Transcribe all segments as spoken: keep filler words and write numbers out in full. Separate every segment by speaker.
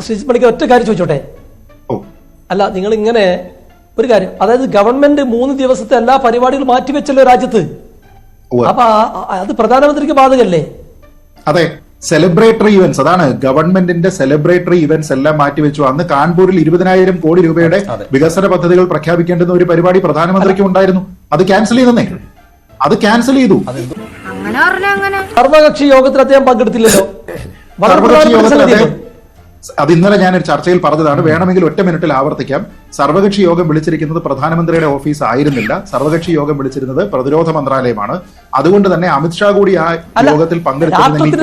Speaker 1: ശ്രീജിത്ത് പണിക്കർ ഒറ്റ കാര്യം ചോദിച്ചോട്ടെ. അല്ല, നിങ്ങൾ ഇങ്ങനെ ഒരു കാര്യം, അതായത് ഗവൺമെന്റ് മൂന്ന് ദിവസത്തെ എല്ലാ പരിപാടികളും മാറ്റിവെച്ചല്ലോ രാജ്യത്ത്. അപ്പൊ അത് പ്രധാനമന്ത്രിക്ക് ബാധകല്ലേ?
Speaker 2: അതെ, സെലിബ്രേറ്ററി ഇവന്റ്സ്, അതാണ് ഗവൺമെന്റിന്റെ സെലിബ്രേറ്ററി ഇവന്റ്സ് എല്ലാം മാറ്റിവെച്ചു. അന്ന് കാൺപൂരിൽ ഇരുപതിനായിരം കോടി രൂപയുടെ വികസന പദ്ധതികൾ പ്രഖ്യാപിക്കേണ്ടുന്ന ഒരു പരിപാടി പ്രധാനമന്ത്രിക്ക് ഉണ്ടായിരുന്നു. അത് ക്യാൻസൽ ചെയ്തേ, അത് ക്യാൻസൽ ചെയ്തു.
Speaker 1: സർവകക്ഷി യോഗത്തിൽ അദ്ദേഹം പങ്കെടുത്തില്ലല്ലോ.
Speaker 2: സർവകക്ഷി യോഗത്തിൽ അത് ഇന്നലെ ഞാനൊരു ചർച്ചയിൽ പറഞ്ഞതാണ്, വേണമെങ്കിൽ ഒറ്റ മിനിറ്റിൽ ആവർത്തിക്കാം. സർവകക്ഷി യോഗം വിളിച്ചിരിക്കുന്നത് പ്രധാനമന്ത്രിയുടെ ഓഫീസ് ആയിരുന്നില്ല, സർവകക്ഷി യോഗം വിളിച്ചിരുന്നത് പ്രതിരോധ മന്ത്രാലയമാണ്. അതുകൊണ്ട് തന്നെ അമിത്ഷാ കൂടി ആ യോഗത്തിൽ പങ്കെടുത്തിരുന്നെങ്കിൽ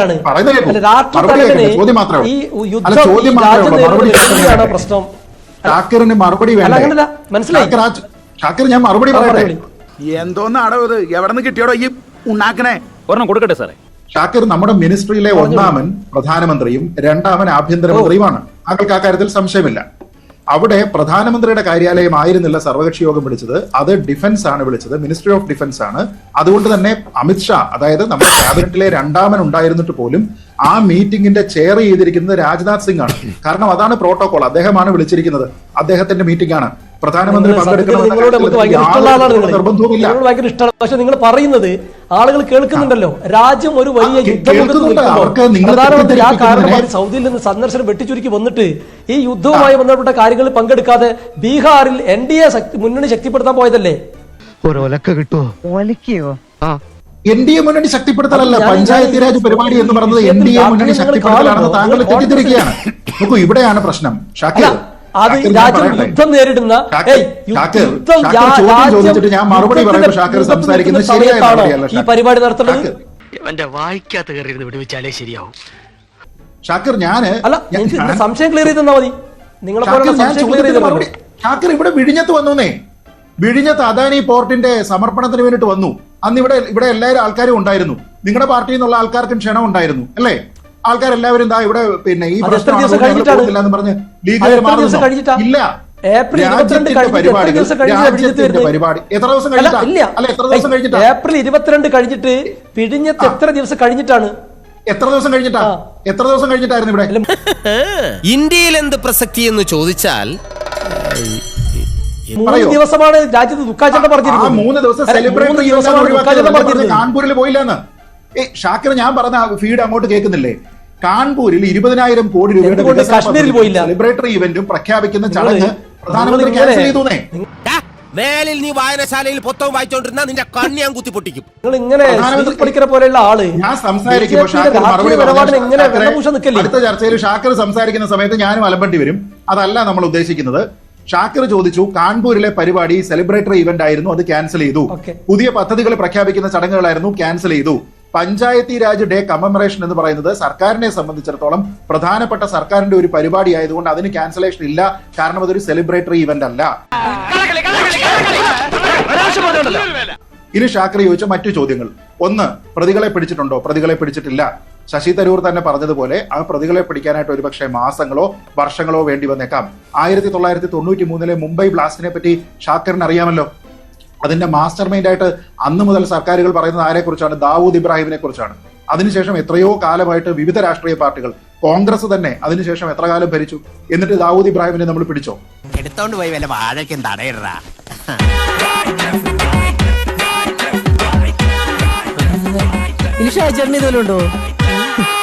Speaker 2: ചോദ്യം മാത്രമേ അല്ല ചോദ്യം മാത്രമേ ഉള്ളൂ, മറുപടി ഷാക്കിറിന് മറുപടി വേണ്ട. ഷാക്കിർ, ഞാൻ മറുപടി പറയട്ടെ.
Speaker 3: എന്തോന്നാടോ ഇത്, എവിടെ നിന്ന് കിട്ടിയോടോ ഈ ഉണ്ടാക്കണേ? ഒരെണ്ണം കൊടുക്കട്ടെ സാറേ.
Speaker 2: ഷാക്കിർ നമ്മുടെ മിനിസ്ട്രിയിലെ ഒന്നാമൻ പ്രധാനമന്ത്രിയും രണ്ടാമൻ ആഭ്യന്തരമന്ത്രിയുമാണ്. താങ്കൾക്ക് ആ കാര്യത്തിൽ സംശയമില്ല. അവിടെ പ്രധാനമന്ത്രിയുടെ കാര്യാലയം ആയിരുന്നില്ല സർവകക്ഷി യോഗം വിളിച്ചത്, അത് ഡിഫൻസ് ആണ് വിളിച്ചത്, മിനിസ്ട്രി ഓഫ് ഡിഫൻസ് ആണ്. അതുകൊണ്ട് തന്നെ അമിത്ഷാ, അതായത് നമ്മുടെ ക്യാബിനറ്റിലെ രണ്ടാമൻ ഉണ്ടായിരുന്നിട്ട് പോലും ആ മീറ്റിംഗിന്റെ ചെയർ ചെയ്തിരിക്കുന്നത് രാജ്നാഥ് സിംഗ് ആണ്. കാരണം അതാണ് പ്രോട്ടോകോൾ, അദ്ദേഹമാണ് വിളിച്ചിരിക്കുന്നത്, അദ്ദേഹത്തിന്റെ മീറ്റിംഗ് ആണ്. പ്രധാനമന്ത്രി നിർബന്ധവുമില്ല.
Speaker 1: ഭയങ്കര ഇഷ്ടമാണ്. പക്ഷെ നിങ്ങൾ പറയുന്നത് ആളുകൾ കേൾക്കുന്നുണ്ടല്ലോ, രാജ്യം ഒരു വലിയ പ്രധാനമന്ത്രി ആ കാരണമായി സൗദിയിൽ നിന്ന് സന്ദർശനം വെട്ടിച്ചുരുക്കി വന്നിട്ട് ഈ യുദ്ധവുമായി ബന്ധപ്പെട്ട കാര്യങ്ങളിൽ പങ്കെടുക്കാതെ ബീഹാറിൽ എൻ ഡി എ മുന്നണി ശക്തിപ്പെടുത്താൻ പോയതല്ലേ?
Speaker 2: എൻ ഡി എ മുന്നണി ശക്തിപ്പെടുത്തലല്ല, പഞ്ചായത്ത് രാജ് പരിപാടി എന്ന് പറയുന്നത് എൻ ഡി എ മുന്നണി ശക്തിപ്പെടുത്തലാണെന്ന് താങ്കൾ തെറ്റിദ്ധരിക്കുകയാണ്. നോക്കൂ, ഇവിടെയാണ് പ്രശ്നം. ഷാക്കിർ,
Speaker 1: അത് രാജ്യം യുദ്ധം നേരിടുന്ന ഈ പരിപാടി നടത്തുന്നത് ശരിയാവും.
Speaker 2: ഷാക്കിർ, ഞാന്
Speaker 1: അല്ല, സംശയം ക്ലിയർ ചെയ്ത് തന്നാ മതി. നിങ്ങളെ
Speaker 2: ഷാക്കിർ ഇവിടെ വിഴിഞ്ഞത്ത് വന്നേ, വിഴിഞ്ഞത്ത് അദാനി പോർട്ടിന്റെ സമർപ്പണത്തിന് വേണ്ടിട്ട് വന്നു. അന്ന് ഇവിടെ ഇവിടെ എല്ലാവരും ആൾക്കാരും ഉണ്ടായിരുന്നു. നിങ്ങളുടെ പാർട്ടിയിൽ നിന്നുള്ള ആൾക്കാർക്കും ക്ഷണം ഉണ്ടായിരുന്നു അല്ലേ? ആൾക്കാരെല്ലാവരും എന്താ ഇവിടെ പിന്നെ ഈ പ്രശ്നം പറഞ്ഞ് ലീഗുകാർ മാറുന്നു. ഇല്ല, പരിപാടി എത്ര ദിവസം കഴിഞ്ഞിട്ടാ? അല്ല, എത്ര ദിവസം കഴിഞ്ഞിട്ടാ?
Speaker 1: ഏപ്രിൽ ഇരുപത്തിരണ്ട് കഴിഞ്ഞിട്ട് വിഴിഞ്ഞത്ത് എത്ര ദിവസം കഴിഞ്ഞിട്ടാണ്?
Speaker 2: എത്ര ദിവസം കഴിഞ്ഞിട്ടാ? എത്ര ദിവസം കഴിഞ്ഞിട്ടായിരുന്നു ഇവിടെ?
Speaker 4: ഇന്ത്യയിൽ എന്ത് പ്രസക്തി എന്ന് ചോദിച്ചാൽ
Speaker 1: മൂന്ന് ദിവസമാണ് രാജ്യത്ത് ദുഃഖാചരണം പറഞ്ഞിരുന്നത്.
Speaker 2: മൂന്ന് ദിവസം സെലിബ്രേറ്റ് കാൺപൂരിൽ പോയില്ലെന്ന്. ഏ ഷാക്കിർ, ഞാൻ പറഞ്ഞ ഫീഡ് അങ്ങോട്ട് കേൾക്കുന്നില്ലേ? കാൺപൂരിൽ ഇരുപതിനായിരം കോടി രൂപയുടെ
Speaker 1: കാശ്മീരിൽ പോയില്ല.
Speaker 2: സെലിബ്രേറ്ററി ഇവന്റും പ്രഖ്യാപിക്കുന്ന ചടങ്ങ് പ്രധാനമന്ത്രി ക്യാൻസൽ ചെയ്തൂന്നേ.
Speaker 4: മേലിൽ നീ വായനശാലയിൽ പുസ്തകം വായിച്ചോണ്ടിരുന്ന നിന്റെ കണ്ണി ഞാൻ കുത്തി പൊട്ടിക്കും.
Speaker 1: നിങ്ങൾ ഇങ്ങനെ പഠിക്കുന്ന പോലെയുള്ള ആള്
Speaker 2: ഞാൻ സംസാരിക്കുമ്പോൾ അടുത്ത ചർച്ചയിൽ ഷാക്കിർ സംസാരിക്കുന്ന സമയത്ത് ഞാനും അലമ്പണ്ടി വരും. അതല്ല നമ്മൾ ഉദ്ദേശിക്കുന്നത്. ഷാക്കിർ ചോദിച്ചു, കാൺപൂരിലെ പരിപാടി സെലിബ്രേറ്ററി ഇവന്റ് ആയിരുന്നു, അത് ക്യാൻസൽ ചെയ്തു. പുതിയ പദ്ധതികൾ പ്രഖ്യാപിക്കുന്ന ചടങ്ങുകളായിരുന്നു, ക്യാൻസൽ ചെയ്തു. പഞ്ചായത്തി രാജ് ഡേ കമ്മമറേഷൻ എന്ന് പറയുന്നത് സർക്കാരിനെ സംബന്ധിച്ചിടത്തോളം പ്രധാനപ്പെട്ട സർക്കാരിന്റെ ഒരു പരിപാടി ആയതുകൊണ്ട് അതിന് ക്യാൻസലേഷൻ ഇല്ല, കാരണം അതൊരു സെലിബ്രേറ്ററി ഇവന്റ് അല്ല. ഇനി ഷാക്കിർ ചോദിച്ച മറ്റു ചോദ്യങ്ങൾ. ഒന്ന്, പ്രതികളെ പിടിച്ചിട്ടുണ്ടോ? പ്രതികളെ പിടിച്ചിട്ടില്ല. ശശി തരൂർ തന്നെ പറഞ്ഞതുപോലെ ആ പ്രതികളെ പിടിക്കാനായിട്ട് ഒരുപക്ഷെ മാസങ്ങളോ വർഷങ്ങളോ വേണ്ടി വന്നേക്കാം. ആയിരത്തി തൊള്ളായിരത്തി തൊണ്ണൂറ്റി മൂന്നിലെ മുംബൈ ബ്ലാസ്റ്റിനെ പറ്റി ഷാക്കിറിന് അറിയാമല്ലോ. അതിന്റെ മാസ്റ്റർ മൈൻഡ് ആയിട്ട് അന്ന് മുതൽ സർക്കാരുകൾ പറയുന്നത് ആരെ കുറിച്ചാണ്? ദാവൂദ് ഇബ്രാഹിമിനെ കുറിച്ചാണ്. അതിനുശേഷം എത്രയോ കാലമായിട്ട് വിവിധ രാഷ്ട്രീയ പാർട്ടികൾ, കോൺഗ്രസ് തന്നെ അതിനുശേഷം എത്ര കാലം ഭരിച്ചു, എന്നിട്ട് ദാവൂദ് ഇബ്രാഹിമിനെ നമ്മൾ പിടിച്ചോ?
Speaker 4: എടുത്തോണ്ട് പോയി വല്ല വാഴയ്ക്കും തടയിടാ.
Speaker 5: ചേട്ടൻ ഇതുവല്ലോ ഉണ്ടോ?